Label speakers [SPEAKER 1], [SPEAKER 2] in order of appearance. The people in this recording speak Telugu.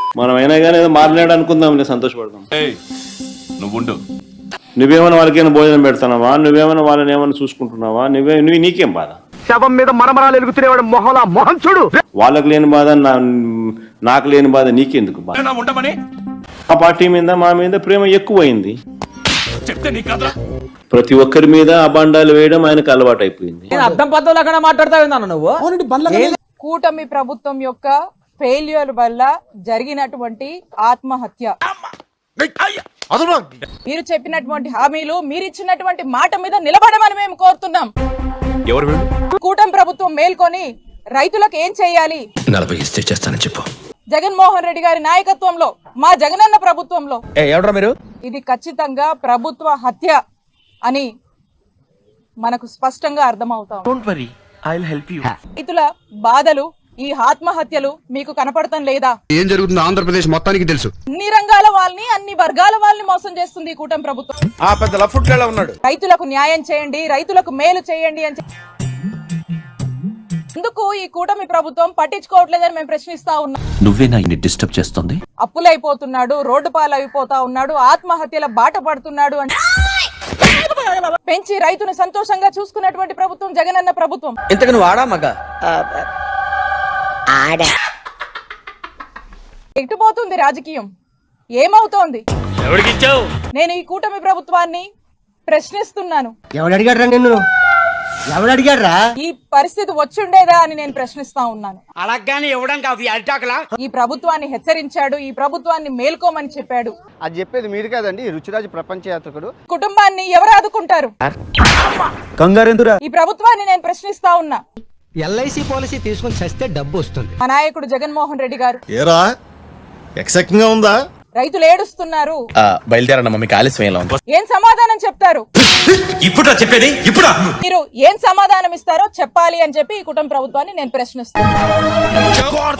[SPEAKER 1] మనం అయినా కానీ ఏదో మారినాడు అనుకుందాం, సంతోషపడదాం. నువ్వేమైనా వాళ్ళకైనా భోజనం పెడతానావా, నువ్వేమైనా వాళ్ళని ఏమైనా చూసుకుంటున్నావా, నీకేం బాధ?
[SPEAKER 2] శవం మీద మరమరాలు ఎలుగుతున్నవాడు మొహలా మొహం చూడు.
[SPEAKER 1] వాళ్ళకి లేని బాధ నాకు లేని బాధ నీకెందుకు బాధ? ఆ పార్టీ మీద మా మీద ప్రేమ ఎక్కువైంది. ప్రతి ఒక్కరి మీద అబాండాలు వేయడం ఆయనకు అలవాటు అయిపోయింది.
[SPEAKER 3] అర్థం పద్ధతులు మాట్లాడతావు నువ్వు.
[SPEAKER 4] కూటమి ప్రభుత్వం యొక్క ఫెయిల్యూర్ వల్ల జరిగినటువంటి ఆత్మహత్య, మీరు చెప్పినటువంటి హామీలు, మీరు ఇచ్చినటువంటి మాట మీద నిలబడమని మేము కోరుతున్నాం. కూటమి ప్రభుత్వం మేల్కొని రైతులకు ఏం చేయాలి,
[SPEAKER 5] 40 ఇస్తే చేస్తానని చెప్పు.
[SPEAKER 4] జగన్మోహన్ రెడ్డి గారి నాయకత్వంలో, మా జగనన్న ప్రభుత్వంలో
[SPEAKER 3] మీరు
[SPEAKER 4] ఇది ఖచ్చితంగా ప్రభుత్వ హత్య అని మనకు స్పష్టంగా అర్థమవుతాం. రైతుల బాధలు, ఈ ఆత్మహత్యలు మీకు కనపడటం లేదా?
[SPEAKER 6] ఏం జరుగుతుందో ఆంధ్రప్రదేశ్ మొత్తానికి తెలుసు.
[SPEAKER 4] అన్ని రంగాల వాళ్ళని, అన్ని వర్గాల వాళ్ళని మోసం చేస్తుంది ఈ కూటమి ప్రభుత్వం. రైతులకు న్యాయం చేయండి, రైతులకు మేలు చేయండి అని ఎందుకు ఈ కూటమి ప్రభుత్వం పట్టించుకోవట్లేదని మేము ప్రశ్నిస్తా ఉన్నాం.
[SPEAKER 5] నువ్వేనా ఇన్ని డిస్టర్బ్ చేస్తుంది?
[SPEAKER 4] అప్పులైపోతున్నాడు, రోడ్డు పాలైపోతా ఉన్నాడు, ఆత్మహత్యల బాట పడుతున్నాడు అని పెంచి రైతును సంతోషంగా చూసుకున్నటువంటి ప్రభుత్వం జగనన్న ప్రభుత్వం.
[SPEAKER 3] ఇంతకు నువ్వు ఆడా మగ
[SPEAKER 4] ఎటుపోతుంది రాజకీయం, ఏమవుతోంది? నేను ఈ కూటమి ప్రభుత్వాన్ని ప్రశ్నిస్తున్నాను. ఈ పరిస్థితి వచ్చుండేదా అని నేను ప్రశ్నిస్తా ఉన్నాను. ఈ ప్రభుత్వాన్ని హెచ్చరించాడు, ఈ ప్రభుత్వాన్ని మేల్కోమని చెప్పాడు.
[SPEAKER 2] అది చెప్పేది మీరు కాదండి, రుచిరాజు ప్రపంచ యాత్రికుడు.
[SPEAKER 4] కుటుంబాన్ని ఎవరు ఆదుకుంటారు? ఈ ప్రభుత్వాన్ని నేను ప్రశ్నిస్తా ఉన్నా.
[SPEAKER 7] ఎల్ఐసి పాలసీ తీసుకుని చస్తే డబ్బు వస్తుంది.
[SPEAKER 4] మా నాయకుడు జగన్మోహన్ రెడ్డి గారు
[SPEAKER 6] ఏరా ఎక్సైటింగ్ గా ఉందా?
[SPEAKER 4] రైతులు ఏడుస్తున్నారు,
[SPEAKER 5] బయలుదేరన్న మమ్మీకి ఆలస్యం ఉంది.
[SPEAKER 4] ఏం సమాధానం చెప్తారు?
[SPEAKER 5] ఇప్పుడు చెప్పేది ఇప్పుడు
[SPEAKER 4] మీరు ఏం సమాధానం ఇస్తారో చెప్పాలి అని చెప్పి ఈ కుటుంబ ప్రభుత్వాన్ని నేను ప్రశ్నిస్తాను.